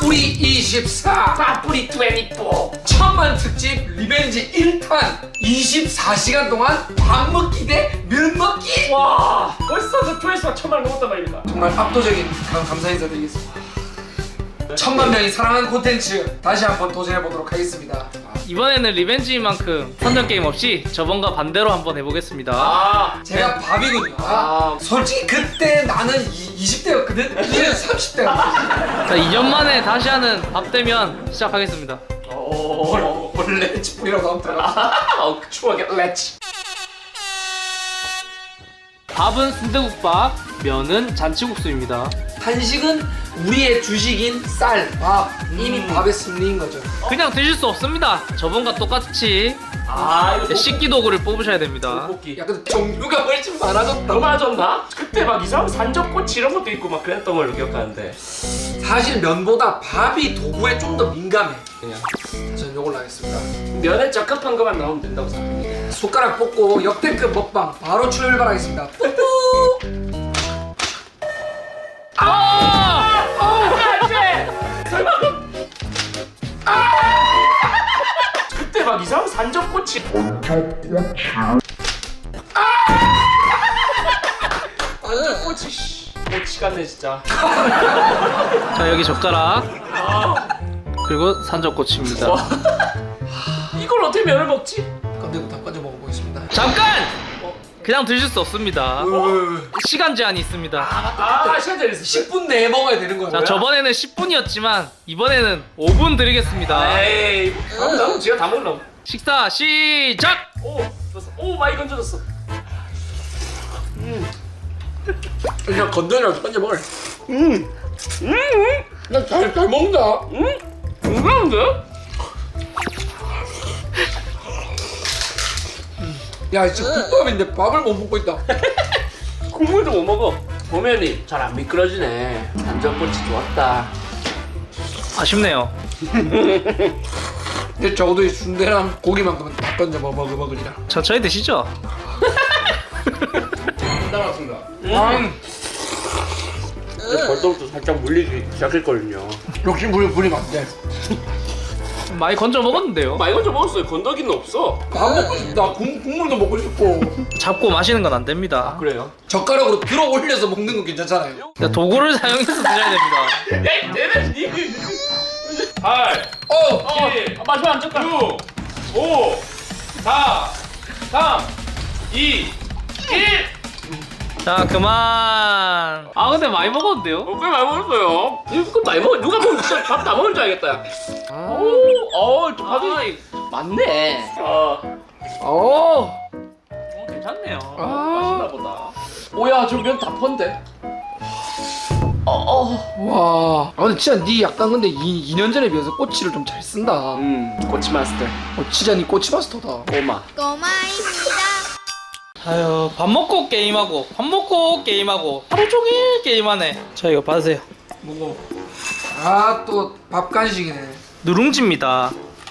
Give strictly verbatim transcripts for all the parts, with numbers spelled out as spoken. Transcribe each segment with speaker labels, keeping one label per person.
Speaker 1: 빠뿌리 이십사,
Speaker 2: 빠뿌리 이십사.
Speaker 1: 천만 특집 리벤지 일 탄 이십사 시간 동안 밥 먹기 대 면 먹기.
Speaker 2: 와, 벌써 그 조회수가 천만 넘었단 말입니다.
Speaker 1: 정말 압도적인 감, 감사 인사드리겠습니다. 천만 명이 사랑하는 콘텐츠 다시 한번 도전해보도록 하겠습니다.
Speaker 3: 이번에는 리벤지만큼 선전 게임 없이 저번과 반대로 한번 해보겠습니다.
Speaker 2: 아,
Speaker 1: 제가 밥이군요.
Speaker 2: 아.
Speaker 1: 솔직히 그때 나는 이십 대였거든? 이제는 삼십 대야.
Speaker 3: 자, 이 년 만에 다시 하는 밥 대면 시작하겠습니다.
Speaker 2: 오,
Speaker 1: 원래 찌뿌리라고 하면 되나?
Speaker 2: 어, 추억의 렛츠.
Speaker 3: 밥은 순대국밥, 면은 잔치국수입니다.
Speaker 1: 한식은 우리의 주식인 쌀, 밥. 이미 밥에 승리인 거죠.
Speaker 3: 그냥 드실 수 없습니다. 저번과 똑같이
Speaker 2: 아, 이거
Speaker 3: 식기 도구를 뽑으셔야 됩니다.
Speaker 2: 떡볶이.
Speaker 1: 야, 근데 종류가 훨씬 많아졌다.
Speaker 2: 더 많아졌나? 그때 막 이상한 산적꼬치 이런 것도 있고 막 그랬던 걸로 기억하는데.
Speaker 1: 사실 면보다 밥이 도구에 좀 더 민감해. 그냥 전 요걸로 하겠습니다.
Speaker 2: 면에 적합한 것만 나오면 된다고 생각합니다.
Speaker 1: 숟가락 뽑고 역대급 먹방 바로 출발하겠습니다. 뿌뿌!
Speaker 3: 아!
Speaker 2: 안 돼! 설마 아! 그때 막 이상한 산적꼬치. 산적꼬치. 씨. 꼬치 같네 진짜.
Speaker 3: 자, 여기 젓가락,
Speaker 2: 아,
Speaker 3: 그리고 산적꼬치입니다.
Speaker 2: 와. 이걸 어떻게 면을 먹지?
Speaker 1: 건들고 다 건져 먹어보겠습니다.
Speaker 3: 잠깐! 그냥 드실 수 없습니다. 시간 제한이 있습니다.
Speaker 2: 아, 시간 잘 있어.
Speaker 1: 십 분 내에 먹어야 되는 거야.
Speaker 3: 자, 저번에는 십 분이었지만 이번에는 오 분 드리겠습니다.
Speaker 2: 에이, 그럼 나는 지가 다 먹으려고.
Speaker 3: 식사 시작!
Speaker 2: 오, 줬어. 오, 많이 건져줬어.
Speaker 1: 그냥 건드려서 건져 먹을.
Speaker 2: 음, 음,
Speaker 1: 나잘 잘 먹는다.
Speaker 2: 음, 건강한데?
Speaker 1: 야, 진짜 국밥인데 밥을 못 먹고 있다.
Speaker 2: 국물도 못 먹어. 보면이 잘 안 미끄러지네. 산적꼬치 좋았다.
Speaker 3: 아쉽네요.
Speaker 1: 근데 적어도 이 순대랑 고기만큼은 다 건져 먹어 먹어 먹으리라.
Speaker 3: 천천히 드시죠.
Speaker 2: 따라왔습니다.
Speaker 1: 음,
Speaker 2: 벌써부터 살짝 물리기 시작했거든요.
Speaker 1: 역시 물 부리면 안 돼.
Speaker 3: 많이 건져 먹었는데요.
Speaker 2: 많이 건져 먹었어요. 건더기는 없어.
Speaker 1: 밥 먹고 싶다. 국, 국물도 먹고 싶고.
Speaker 3: 잡고 마시는 건 안 됩니다.
Speaker 2: 그래요?
Speaker 1: 젓가락으로 들어 올려서 먹는 건 괜찮잖아요.
Speaker 3: 자, 도구를 사용해서 드셔야 됩니다.
Speaker 2: 야, 내내 니. 팔,
Speaker 1: 어,
Speaker 2: 칠, 마지막 안 쳤다. 육, 오, 사, 삼, 이, 일.
Speaker 3: 자, 그만. 아, 근데 많이 먹었는데요?
Speaker 2: 어, 꽤 많이 먹었어요. 이거 많이 먹어. 누가 보면 진짜 밥 다 먹은 줄 알겠다. 오, 어, 저 밥이 많네. 아,
Speaker 1: 어.
Speaker 3: 어, 괜찮네요.
Speaker 2: 아, 맛있나 보다. 오야, 저 면 다 펀데. 어, 어.
Speaker 1: 와. 아 근데 진짜 니 약간 근데 이 년 전에 비해서 꼬치를 좀 잘 쓴다.
Speaker 2: 음, 꼬치 마스터.
Speaker 1: 어, 진짜 니 꼬치 마스터다.
Speaker 2: 꼬마.
Speaker 4: 꼬마입니다.
Speaker 3: 아유, 밥 먹고 게임하고, 밥 먹고 게임하고, 하루 종일 게임하네. 자, 이거 받으세요.
Speaker 1: 먹어. 아 또 밥 간식이네.
Speaker 3: 누룽지입니다.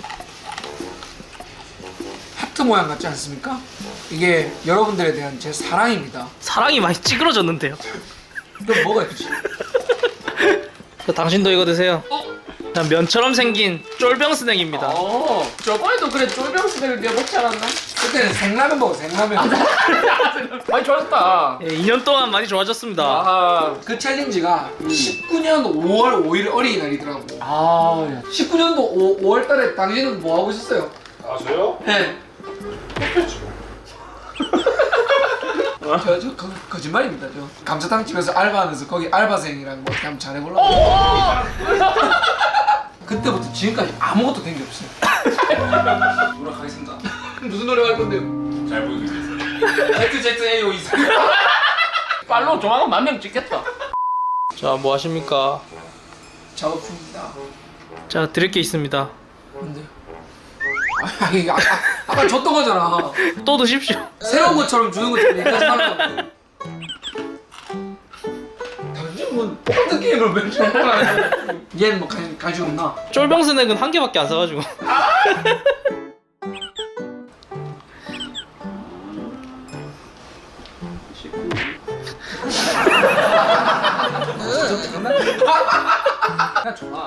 Speaker 1: 하트 모양 같지 않습니까? 이게 여러분들에 대한 제 사랑입니다.
Speaker 3: 사랑이 많이 찌그러졌는데요.
Speaker 1: 좀 먹어야지.
Speaker 3: 자, 당신도 이거 드세요.
Speaker 2: 어?
Speaker 3: 자, 면처럼 생긴 쫄병 스낵입니다.
Speaker 2: 어, 저번에도 그래 쫄병 스낵을 내가 먹지 않았나?
Speaker 1: 그때는 생라면 먹어 생라면.
Speaker 2: 많이 좋아졌다.
Speaker 3: 예, 이 년 동안 많이 좋아졌습니다.
Speaker 2: 아,
Speaker 1: 그 챌린지가 십구 년 오월 오일 어린이날이더라고.
Speaker 2: 아, 야.
Speaker 1: 십구 년도 오월 달에 당신은 뭐 하고 있었어요?
Speaker 2: 아, 저요?
Speaker 1: 네. 저, 저 거, 거짓말입니다. 저 감자탕 집에서 알바하면서 거기 알바생이랑 뭐 한번 잘해보려고.
Speaker 2: 어!
Speaker 1: 그때부터 지금까지 아무것도 된 게 없어요. 노력하겠습니다. 무슨 노래 할 건데요?
Speaker 2: 잘 보여드리겠습니다.
Speaker 1: 제트 제트 에이오 이상.
Speaker 2: 팔로우 조만간 만 명 찍겠다.
Speaker 3: 자, 뭐 하십니까?
Speaker 1: 작업 중입니다.
Speaker 3: 자, 드릴 게 있습니다.
Speaker 1: 근데 아니 아까 아까 줬던 거잖아.
Speaker 3: 또 드십시오.
Speaker 1: 새로운 것처럼 주는 것처럼 얘기하지 말라고. 당신 뭐 똑같은 게임을 왜 자꾸 하냐? 얘는 뭐 가- 가지고 없나?
Speaker 3: 쫄병 스낵은 한 개밖에 안 사가지고.
Speaker 1: 장난?
Speaker 2: 그냥 좋아.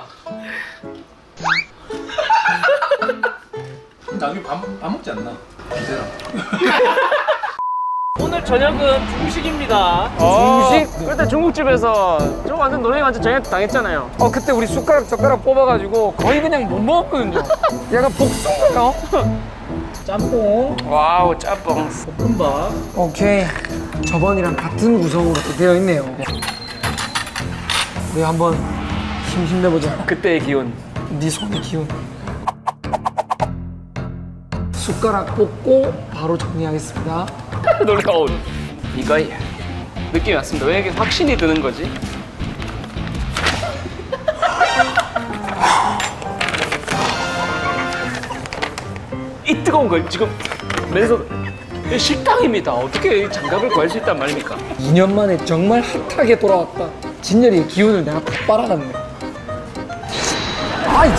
Speaker 2: 나중에 밥, 밥 먹지 않나?
Speaker 1: 기대라.
Speaker 3: 오늘 저녁은 중식입니다.
Speaker 4: 중식? 그때 중국집에서 저 완전 너네 완전 저녁 당했잖아요.
Speaker 1: 어 그때 우리 숟가락 젓가락 뽑아가지고 거의 그냥 못 먹었거든요. 약간 복숭아요.
Speaker 3: 짬뽕,
Speaker 4: 와우 짬뽕.
Speaker 3: 볶음밥.
Speaker 1: 오케이. 저번이랑 같은 구성으로 또 되어 있네요. 우리 한번 힘 힘내보자.
Speaker 4: 그때의 기운.
Speaker 1: 네 손의 기운. 숟가락 뽑고 바로 정리하겠습니다.
Speaker 4: 놀라운. 이거 느낌이 왔습니다. 왜 이렇게 확신이 드는 거지? 이 뜨거운 걸 지금 맨손 이 식당입니다. 어떻게 장갑을 구할 수 있단 말입니까?
Speaker 1: 이 년 만에 정말 핫하게 돌아왔다. 진열이의 기운을 내가 다 빨아갔네. 아이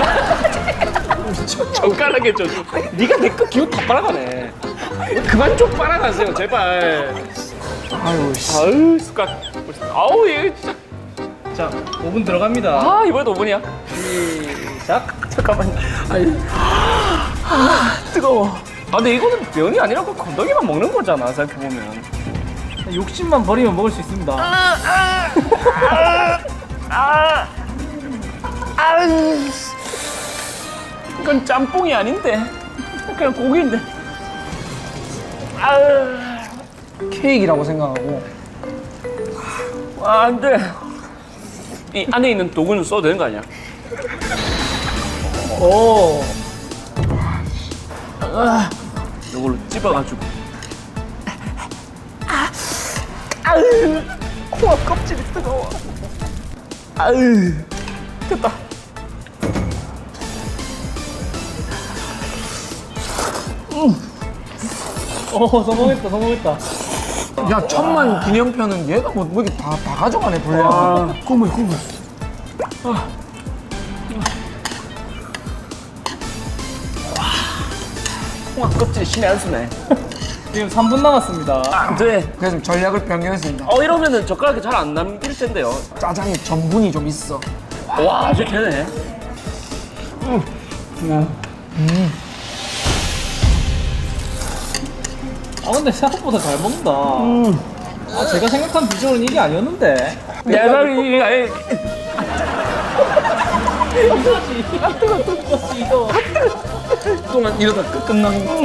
Speaker 1: 진짜.
Speaker 4: 젓가락에 저 네가 내 거 기운 다 빨아가네. 그만 좀 빨아가세요 제발.
Speaker 1: 아유 씨.
Speaker 4: 아유 숟가락. 아우 이거 진짜.
Speaker 3: 자, 오 분 들어갑니다.
Speaker 4: 아 이번에도 오 분이야?
Speaker 3: 시작.
Speaker 4: 잠깐만. 아니. 아 뜨거워. 아 근데 이거는 면이 아니라 그 건더기만 먹는 거잖아 생각해보면.
Speaker 3: 욕심만 버리면 먹을 수 있습니다.
Speaker 4: 이건 짬뽕이 아닌데 그냥 고기인데. 아유.
Speaker 1: 케이크라고 생각하고.
Speaker 4: 아 안돼. 이 안에 있는 도구는 써도 되는 거 아니야?
Speaker 3: 오.
Speaker 4: 이걸로 찝어가지고. 아유, 코앞 껍질이 뜨거워. 아유, 됐다.
Speaker 3: 오, 성공했다, 성공했다.
Speaker 1: 야 천만 기념편은 얘가 뭐, 뭐 이렇게 다, 다 가져가네 분량. 국물 국물.
Speaker 4: 코앞 껍질이 신의 한 수네.
Speaker 3: 지금 삼 분 남았습니다.
Speaker 4: 안 돼.
Speaker 1: 그래서 좀 전략을 변경했습니다.
Speaker 4: 어 이러면은 젓가락이 잘 안 남길 텐데요.
Speaker 1: 짜장에 전분이 좀 있어.
Speaker 4: 와, 이제 되네.
Speaker 3: 아, 근데 생각보다 잘 먹는다. 아, 제가 생각한 비주얼은 이게 아니었는데.
Speaker 4: 야살이 아니.
Speaker 3: 이거지. 뜨거, 뜨거, 이거.
Speaker 1: 동안 이러다 끝 끝나는 거.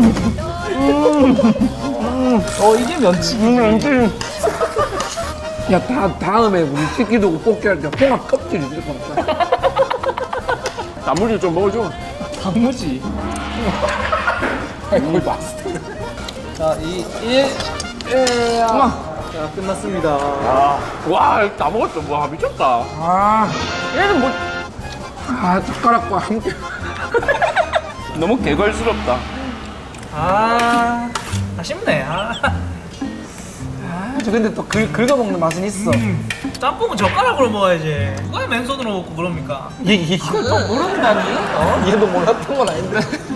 Speaker 3: 어, 이게 면치기.
Speaker 1: 야 다, 다음에 우리 치기도 뽑기 할 때 홍합 껍질이 있을 것 같다.
Speaker 4: 나물을 좀 먹어줘.
Speaker 3: 단무지.
Speaker 1: 거의 봤어.
Speaker 3: 자, 이, 일. 자, 끝났습니다.
Speaker 4: 와, 다 먹었어. 와, 미쳤다.
Speaker 1: 아,
Speaker 4: 얘는 뭐
Speaker 1: 아 젓가락과 함께.
Speaker 4: 너무 개걸스럽다.
Speaker 3: 아, 아쉽네. 아.
Speaker 1: 아, 저 근데 또 긁, 긁어 먹는 맛은 있어.
Speaker 3: 짬뽕은 젓가락으로 먹어야지. 누가 맨손으로 먹고 그럽니까?
Speaker 1: 얘 이거 또 모른다니? 어? 얘도 몰랐던 건 아닌데.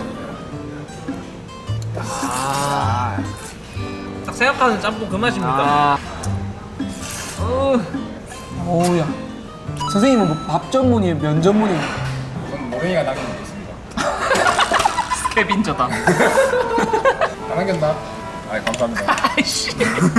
Speaker 3: 아. 딱 생각하는 짬뽕 그 맛입니다.
Speaker 4: 아,
Speaker 3: 어.
Speaker 1: 오우야. 선생님은 뭐 밥 전문이에요, 면 전문이에요?
Speaker 5: 저는 모랭이가 남긴 게 있습니다.
Speaker 4: 스케빈저다.
Speaker 5: 다 남겼나? 아 감사합니다.
Speaker 4: 아이씨.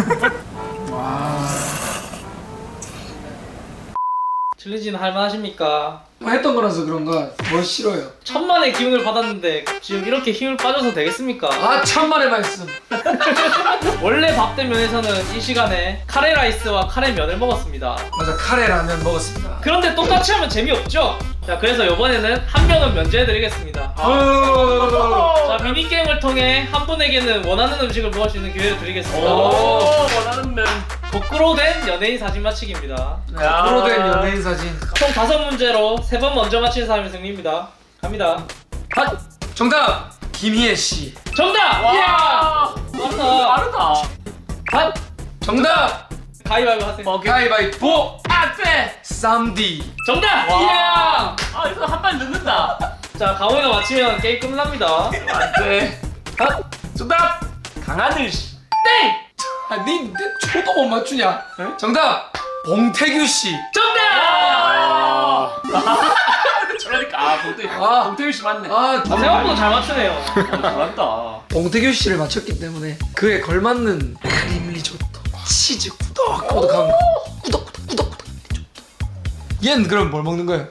Speaker 3: 칠리지는 할만하십니까?
Speaker 1: 뭐 했던 거라서 그런가 뭘 싫어요.
Speaker 3: 천만의 기운을 받았는데 지금 이렇게 힘을 빠져서 되겠습니까?
Speaker 1: 아 천만의 말씀.
Speaker 3: 원래 밥된 면에서는 이 시간에 카레 라이스와 카레 면을 먹었습니다.
Speaker 1: 맞아 카레 라면 먹었습니다.
Speaker 3: 그런데 똑같이 하면 재미없죠? 자, 그래서 이번에는 한 명은 면제해드리겠습니다. 자, 미니게임을 통해 한 분에게는 원하는 음식을 먹을 수 있는 기회를 드리겠습니다.
Speaker 4: 오, 원하는 면.
Speaker 3: 거꾸로 된 연예인 사진 맞히기입니다.
Speaker 1: 거꾸로 된 연예인 사진.
Speaker 3: 총 다섯 문제로 세 번 먼저 맞힌 사람이 승리입니다. 갑니다.
Speaker 1: 아, 정답 김희애 씨.
Speaker 3: 정답! 이야! 맞다.
Speaker 4: 빠르다.
Speaker 3: 밥!
Speaker 1: 정답
Speaker 3: 가위바위보 하세요.
Speaker 1: 가위바위보.
Speaker 4: 아, 쎄.
Speaker 1: 쌈디.
Speaker 3: 정답!
Speaker 4: 와.
Speaker 3: 이야!
Speaker 4: 아, 이거 한 발 늦는다.
Speaker 3: 자, 강호이가 맞히면 게임 끝납니다.
Speaker 4: 안 돼.
Speaker 3: 밥!
Speaker 4: 정답. 강하늘 씨.
Speaker 3: 땡!
Speaker 1: 아니 내 초도 못 맞추냐? 정답 봉태규 씨.
Speaker 3: 정답!
Speaker 2: 저러니까 아 봉태
Speaker 1: 아.
Speaker 2: 봉태규 씨 맞네.
Speaker 1: 아,
Speaker 3: 생각보다 잘 맞추네요.
Speaker 2: 어, 잘한다.
Speaker 1: 봉태규 씨를 맞췄기 때문에 그에 걸맞는 크림 리조또, 치즈 꾸덕꾸덕한 거. 꾸덕꾸덕 꾸덕꾸덕 리조또. 얘는 그럼 뭘 먹는 거야?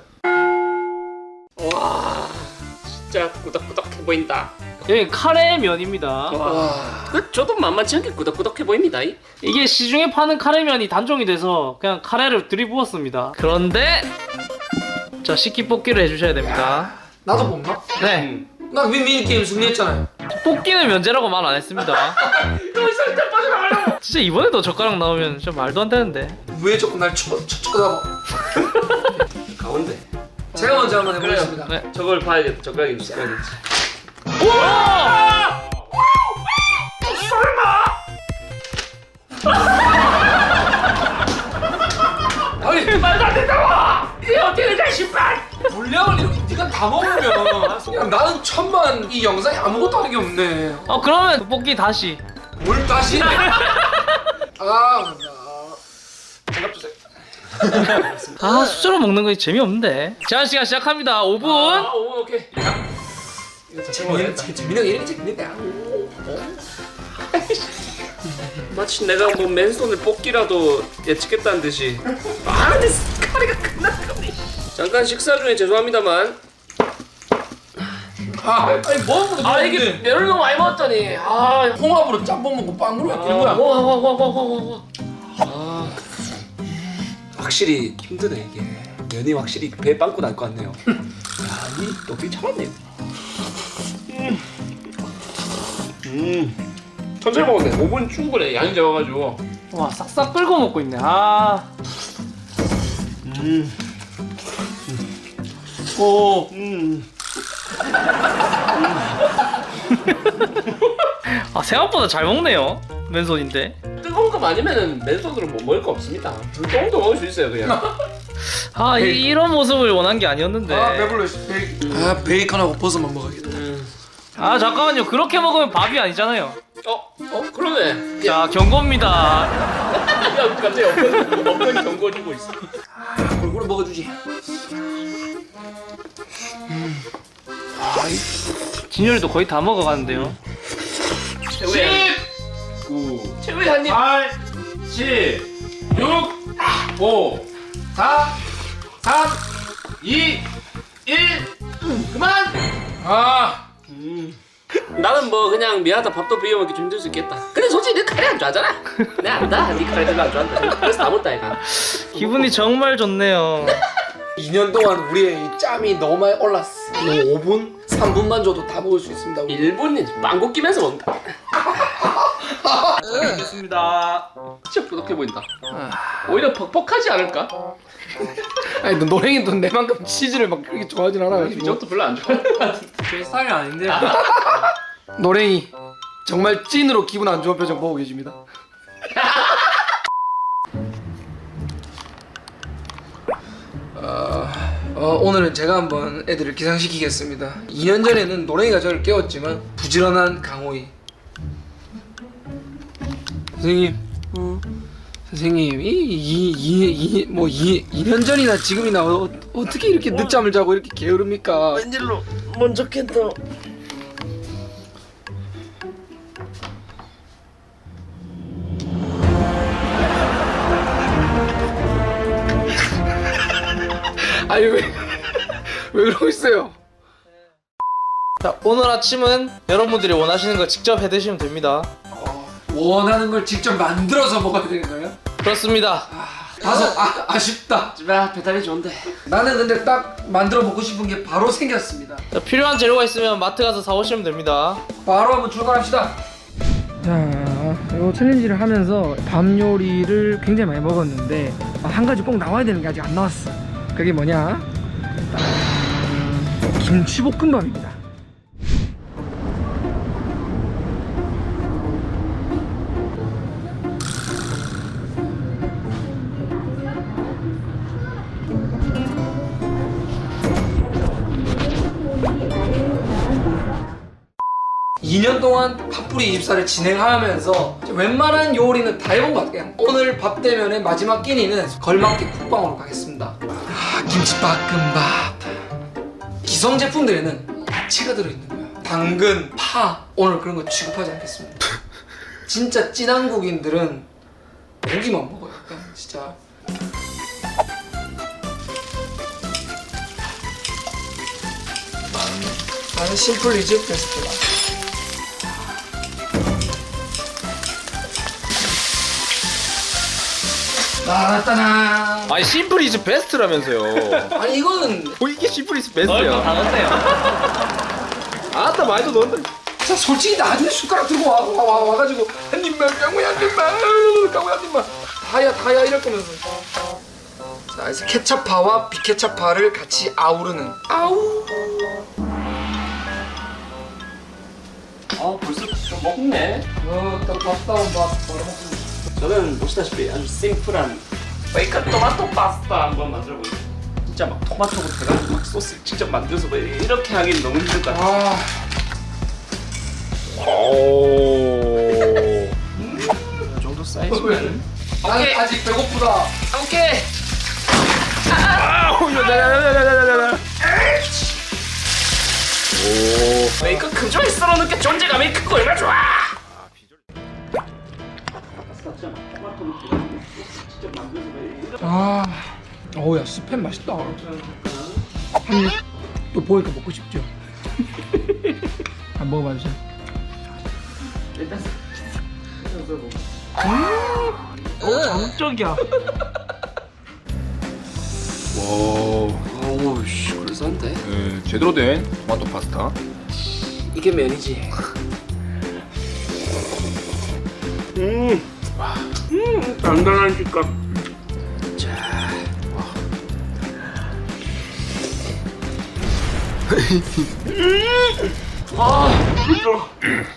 Speaker 2: 와 진짜 꾸덕꾸덕해 보인다.
Speaker 3: 여기 카레 면입니다.
Speaker 2: 와. 그 저도 만만치 않게 꾸덕꾸덕해 보입니다. 이.
Speaker 3: 이게 시중에 파는 카레면이 단종이 돼서 그냥 카레를 들이부었습니다. 그런데 자 식기 뽑기를 해주셔야 됩니다.
Speaker 1: 나도 뽑나?
Speaker 3: 네,
Speaker 1: 나 미니 게임 승리했잖아요.
Speaker 3: 뽑기는 면제라고 말 안 했습니다.
Speaker 2: 너 살짝 빠져나가요.
Speaker 3: 진짜 이번에도 젓가락 나오면 좀 말도 안 되는데.
Speaker 1: 왜 자꾸 날 쳐, 쳐, 쳐다봐?
Speaker 2: 가운데.
Speaker 1: 제가 먼저 한번 해보겠습니다.
Speaker 3: 네.
Speaker 2: 저걸 봐야겠다. 젓가락이 있어야겠지.
Speaker 3: 우와!
Speaker 1: 아니
Speaker 2: 말도 안 된다고! 이게 어떻게 되냐 신발!
Speaker 1: 분량을 이렇게 네가 다 먹으면 야, 나는 천만 이 영상에 아무것도 하는 게 없네.
Speaker 3: 어 그러면 뽑기 다시.
Speaker 1: 뭘 다시? 아, 장갑 주세요.
Speaker 3: 아 수저로 먹는 거 재미없는데. 제한 시간 시작합니다. 오 분.
Speaker 2: 아, 오, 오케이.
Speaker 1: 재밌는 재밌는 게 이렇게 재밌는데.
Speaker 2: 마치 내가 뭐 맨손을 뽑기라도 예측했다는 듯이. 아, 근데 카레가 끝났네. 잠깐 식사 중에 죄송합니다만.
Speaker 1: 아, 아니 뭐 먹는
Speaker 2: 아 이게 면을 너무 많이 먹었더니. 아,
Speaker 1: 홍합으로 짬뽕 먹고 빵으로
Speaker 2: 아,
Speaker 1: 바뀌는 거야.
Speaker 2: 와, 와, 와, 와, 와, 와. 아, 확실히 힘드네 이게. 면이 확실히 배 빵꾸 날 것 같네요. 야, 이 높이 참았네. 음. 음. 천천히 먹었네. 오 분 충분해. 양이 적어가지고.
Speaker 3: 와 싹싹 끓고 먹고 있네. 아.
Speaker 2: 음. 오. 음.
Speaker 3: 아 생각보다 잘 먹네요. 맨손인데.
Speaker 2: 뜨거운 거 아니면은 맨손으로 못 먹을 거 없습니다. 불똥도 먹을 수 있어요 그냥.
Speaker 3: 아 이, 이런 모습을 원한 게 아니었는데.
Speaker 1: 아 배불러. 베이... 아 베이컨하고 버섯만 먹어야겠다.
Speaker 2: 음.
Speaker 3: 아 잠깐만요. 그렇게 먹으면 밥이 아니잖아요.
Speaker 2: 어? 어? 그러네.
Speaker 3: 자 경고입니다.
Speaker 2: 야 갑자기 없는 없는 경고 주고 있어.
Speaker 1: 골고루 먹어주지.
Speaker 3: 진열이도 거의 다 먹어가는데요.
Speaker 2: 최후의 구. 최후의 한 입.
Speaker 4: 팔, 칠, 육, 오, 사, 삼, 이, 일. 그만!
Speaker 1: 아,
Speaker 2: 나는 뭐 그냥 미안하다 밥도 비벼 먹기 좀 힘들 수 있겠다. 근데 솔직히 내 카레 안 좋아하잖아. 내가 안다. 네 카레 별로 안 좋아한다. 그래서 다 먹다 이가.
Speaker 3: 기분이 정말 좋네요.
Speaker 1: 이 년 동안 우리의 이 짬이 너무 많이 올랐어. 오 분, 삼 분만 줘도 다 먹을 수 있습니다. 우리.
Speaker 2: 일 분이 망고 끼면서 먹는다.
Speaker 3: 알겠습니다.
Speaker 2: 진짜 부족해 보인다. 오히려 퍽퍽하지 않을까?
Speaker 1: 아니 너 노랭이도 내만큼 치즈를 막 그렇게 좋아하진 않아.
Speaker 2: 이것도 별로 안 좋아하는 것 같은데.
Speaker 3: 제 스타일이 아닌데.
Speaker 1: 노랭이 정말 찐으로 기분 안 좋은 표정 보고 계십니다. 어, 어, 오늘은 제가 한번 애들을 기상시키겠습니다. 이 년 전에는 노랭이가 저를 깨웠지만 부지런한 강호이. 선생님, 어, 선생님, 이이이뭐이 이 년 전이나 지금이나 어, 어떻게 이렇게 늦잠을 자고 이렇게 게으릅니까?
Speaker 2: 웬일로 먼저 캔다.
Speaker 1: 아니 왜 왜 그러고 있어요?
Speaker 3: 자 오늘 아침은 여러분들이 원하시는 거 직접 해드시면 됩니다.
Speaker 1: 원하는 걸 직접 만들어서 먹어야 되는 거예요?
Speaker 3: 그렇습니다.
Speaker 1: 다소 아, 아쉽다.
Speaker 2: 아 배달이 좋은데.
Speaker 1: 나는 근데 딱 만들어 먹고 싶은 게 바로 생겼습니다.
Speaker 3: 자, 필요한 재료가 있으면 마트 가서 사오시면 됩니다.
Speaker 1: 바로 한번 출발합시다. 자, 이 챌린지를 하면서 밤 요리를 굉장히 많이 먹었는데 한 가지 꼭 나와야 되는 게 아직 안 나왔어. 그게 뭐냐? 김치볶음밥입니다. 이 년 동안 밥풀이 이십사를 진행하면서 웬만한 요리는 다 해본 것 같아요. 오늘 밥 대면의 마지막 끼니는 걸맞게 국방으로 가겠습니다. 아, 김치볶음밥. 기성 제품들에는 야채가 들어있는 거야. 당근, 파. 오늘 그런 거 취급하지 않겠습니다. 진짜 찐 한국인들은 고기만 먹어요. 약간 진짜. 나는 심플 이즈 베스트다. 나따나.
Speaker 4: 아니 심플 이즈 베스트라면서요.
Speaker 1: 아니 이거는
Speaker 4: 뭐 이게 심플 이즈
Speaker 3: 넣을
Speaker 4: 베스트야.
Speaker 3: 거다 넣었어요.
Speaker 4: 아따 말도 넣었는데.
Speaker 1: 자 솔직히 나중에 숟가락 들고 와, 와, 와 와가지고 한 입만 강우야 한 입만 강우야 한 입만 다야 다야 이럴 거면서. 자 그래서 케찹파와 비케찹파를 같이 아우르는 아우.
Speaker 2: 아 벌써 좀 먹네.
Speaker 1: 어딱 밥다운 밥 바로 먹습니다.
Speaker 2: 저는 보시다시피 아주 심플한 베이컨 토마토 파스타 한번 만들어 보겠습니다. 진짜 막 토마토부터 해가지고 막 소스 직접 만들어서 뭐 이렇게 하기는 너무 힘들 것 같아요.
Speaker 1: 아
Speaker 4: 오.
Speaker 2: 이 정도 사이즈면
Speaker 1: 나는 아직 배고프다.
Speaker 2: 오케이.
Speaker 4: 아우 야야야야야야야. 오.
Speaker 2: 베이컨 금쪽이 썰어 넣게 존재감이 크고 얼마나 좋아.
Speaker 1: 아 어우야 스팸 맛있다. 한입 또 보니까 먹고 싶죠. 한번 먹어봐주세요.
Speaker 2: 일단
Speaker 1: 정적이야.
Speaker 4: 와.
Speaker 2: 오우씨 그럴싸한데?
Speaker 4: 네, 제대로 된 토마토 파스타.
Speaker 2: 이게 면이지. 음, 음, 단단한 식감. 자, 음, 아, 진짜.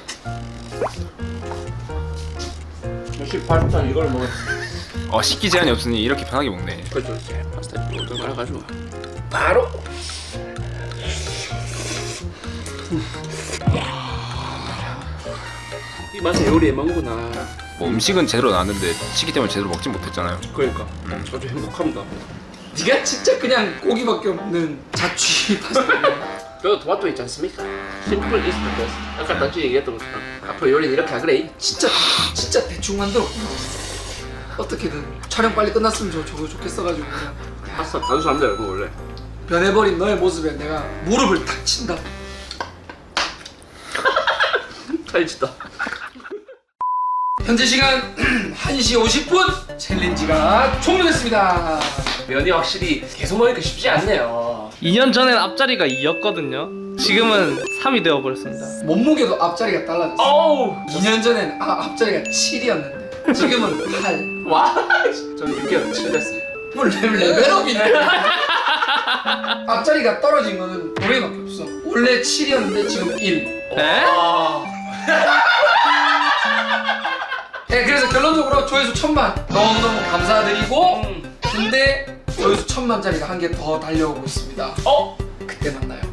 Speaker 2: 역시 파스타 이걸 먹어.
Speaker 4: 어 식기 제한이 없으니 이렇게 편하게 먹네.
Speaker 2: 그렇죠. 파스타 이걸 말아가지고 바로. 이 맛에 요리에 먹구나.
Speaker 4: 뭐 음식은 제대로 나왔는데 식기 때문에 제대로 먹진 못했잖아요.
Speaker 2: 그러니까 아주 행복합니다.
Speaker 1: 네가 진짜 그냥 고기밖에 없는 자취 파스타.
Speaker 2: 저 토마토 있지 않습니까? 심플 이스트 베스트. 아까 단지 얘기했던 것처럼 앞으로 요리는 이렇게 하그래.
Speaker 1: 진짜 진짜 대충 만들었구나. 어떻게든 촬영 빨리 끝났으면 저 저거 좋겠어가지고 그냥
Speaker 2: 파스타 단순합니다 여러분 원래.
Speaker 1: 변해버린 너의 모습에 내가 무릎을 탁 친다.
Speaker 2: 탈지다.
Speaker 1: 현재 시간 한 시 오십 분 챌린지가 종료됐습니다.
Speaker 2: 면이 확실히 계속 먹으니까 쉽지 않네요.
Speaker 3: 이 년 전엔 앞자리가 이였거든요. 지금은 삼이 되어버렸습니다.
Speaker 1: 몸무게도 앞자리가 달라졌어.
Speaker 2: 어우.
Speaker 1: 이 년 전엔 아, 앞자리가 칠이었는데 지금은 팔.
Speaker 2: 와. 저는 육 개월 칠 됐어요.
Speaker 1: 뭐 레- 레벨업이네. 앞자리가 떨어진 거는 노래밖에 없어. 원래 칠이었는데 지금 일.
Speaker 3: 네?
Speaker 1: 네, 그래서 결론적으로 조회수 천만 너무너무 감사드리고
Speaker 2: 음.
Speaker 1: 근데 조회수 천만짜리가 한 개 더 달려오고 있습니다.
Speaker 2: 어?
Speaker 1: 그때 만나요.